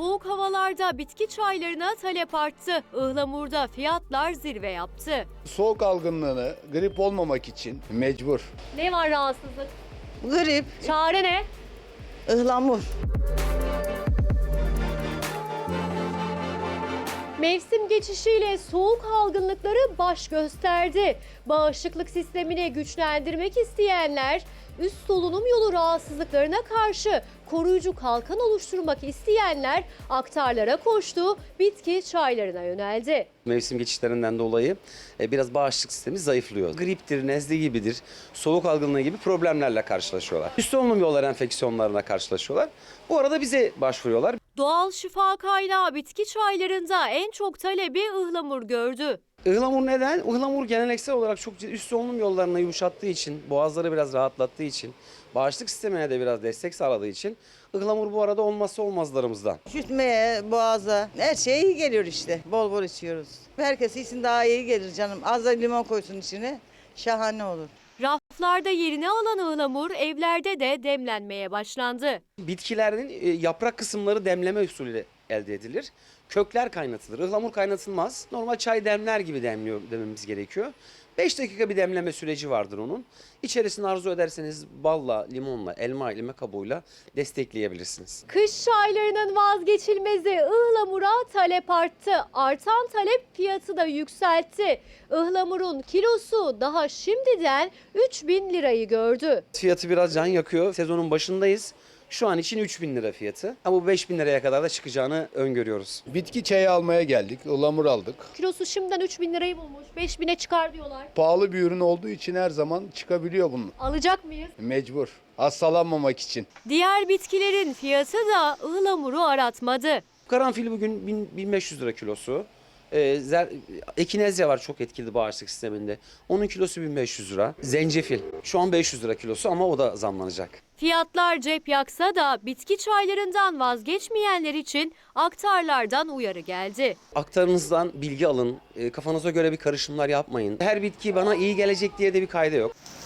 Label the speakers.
Speaker 1: Soğuk havalarda bitki çaylarına talep arttı. Ihlamurda fiyatlar zirve yaptı.
Speaker 2: Soğuk algınlığını grip olmamak için mecbur.
Speaker 1: Ne var rahatsızlık?
Speaker 3: Grip,
Speaker 1: Çare ne?
Speaker 3: ıhlamur.
Speaker 1: Mevsim geçişiyle soğuk algınlıkları baş gösterdi. Bağışıklık sistemini güçlendirmek isteyenler üst solunum yolu rahatsızlıklarına karşı koruyucu kalkan oluşturmak isteyenler aktarlara koştu, bitki çaylarına yöneldi.
Speaker 4: Mevsim geçişlerinden dolayı biraz bağışıklık sistemi zayıflıyor. Griptir, nezle gibidir, soğuk algınlığı gibi problemlerle karşılaşıyorlar. Üst solunum yolları enfeksiyonlarına karşılaşıyorlar. Bu arada bize başvuruyorlar.
Speaker 1: Doğal şifa kaynağı bitki çaylarında en çok talebi ıhlamur gördü.
Speaker 4: Ihlamur neden? Ihlamur geleneksel olarak çok üst solunum yollarını yumuşattığı için, boğazları biraz rahatlattığı için, bağışıklık sistemine de biraz destek sağladığı için ıhlamur bu arada olmazsa olmazlarımızdan.
Speaker 3: Üşütmeye, boğaza, her şeye iyi geliyor işte. Bol bol içiyoruz. Herkes için daha iyi gelir canım. Az da limon koysun içine. Şahane olur.
Speaker 1: Raflarda yerini alan ıhlamur evlerde de demlenmeye başlandı.
Speaker 4: Bitkilerin yaprak kısımları demleme usulüyle elde edilir. Kökler kaynatılır. Ihlamur kaynatılmaz. Normal çay demler gibi dememiz gerekiyor. 5 dakika bir demleme süreci vardır onun. İçerisine arzu ederseniz balla, limonla, elma ile kabuğuyla destekleyebilirsiniz.
Speaker 1: Kış çaylarının vazgeçilmezi ıhlamura talep arttı. Artan talep fiyatı da yükseltti. Ihlamurun kilosu daha şimdiden 3.000 lirayı gördü.
Speaker 4: Fiyatı biraz can yakıyor. Sezonun başındayız. Şu an için 3.000 lira fiyatı. Ama bu 5.000 liraya kadar da çıkacağını öngörüyoruz.
Speaker 2: Bitki çayı almaya geldik, ıhlamur aldık.
Speaker 1: Kilosu şimdiden 3.000 lirayı bulmuş. 5.000'e çıkar diyorlar.
Speaker 2: Pahalı bir ürün olduğu için her zaman çıkabiliyor bunun.
Speaker 1: Alacak mıyız?
Speaker 2: Mecbur. Hastalanmamak için.
Speaker 1: Diğer bitkilerin fiyatı da ıhlamuru aratmadı.
Speaker 4: Karanfil bugün 1500 lira kilosu. Ekinezya var çok etkili bağışıklık sisteminde. Onun kilosu 1500 lira. Zencefil şu an 500 lira kilosu ama o da zamlanacak.
Speaker 1: Fiyatlar cep yaksa da bitki çaylarından vazgeçmeyenler için aktarlardan uyarı geldi.
Speaker 4: Aktarınızdan bilgi alın. Kafanıza göre bir karışımlar yapmayın. Her bitki bana iyi gelecek diye de bir kayda yok.